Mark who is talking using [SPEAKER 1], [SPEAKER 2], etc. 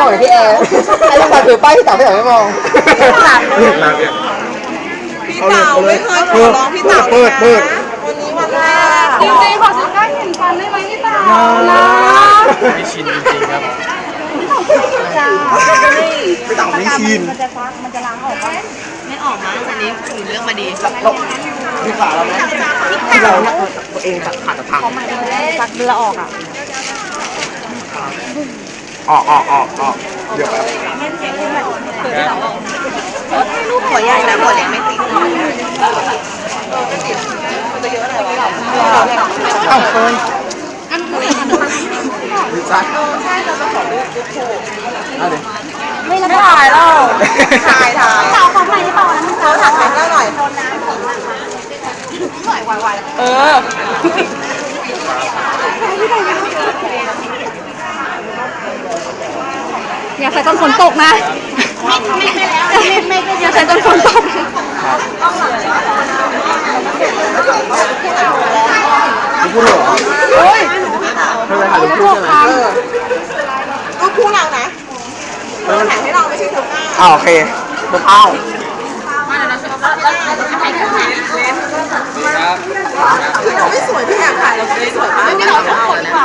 [SPEAKER 1] องอย่างพี่แอร์ไอ้ลูกบอลถือป้ายพี่เต๋าพี่เต๋าไม่มอง
[SPEAKER 2] พี่เต๋าไม่เคยขอร้องพี่เต๋าเปิดวันนี้วันแรก
[SPEAKER 3] จริงๆขอสักการเห็นฟันได้ไหมพี่เต๋านะ
[SPEAKER 4] ไม่ชินจริงๆครับ
[SPEAKER 1] พี่เต๋าไม่ชิน
[SPEAKER 2] ไม่ออกมั้งอันนี้หนูเลือกมาดี
[SPEAKER 1] มีขาเราไหมที่เราเนี่ยตัวเองขาดจะพัง
[SPEAKER 3] ฟักเรือออกอ่ะ
[SPEAKER 1] ออกเดี๋ยวแป๊บ
[SPEAKER 2] ลูกหัวใหญ่นะหัวเล็กไม่ติด
[SPEAKER 1] อ้าวเฟิร์นดีใจเอาดิ
[SPEAKER 3] ไม่ละถ่ายแล้ว
[SPEAKER 2] ถ่าย
[SPEAKER 3] เต๋าขอถ่ายได้เปล่านะ
[SPEAKER 2] เขาถ่ายได้หน่อย
[SPEAKER 3] อย่าใส่ต้นฝนตกนะไม่อย่าใส่ต้นฝนตก
[SPEAKER 1] พูดเหรอเฮ้ยไม่เป็นไรถ่ายรูปคู่ใช่ไหม
[SPEAKER 2] ก็คู่เรานะถ่ายให้เราไม่ใช่เธอหน้า
[SPEAKER 1] โอเคไม่เข้า
[SPEAKER 2] เราไม่สวยพี่อยากถ่ายเราไม่สวยมาก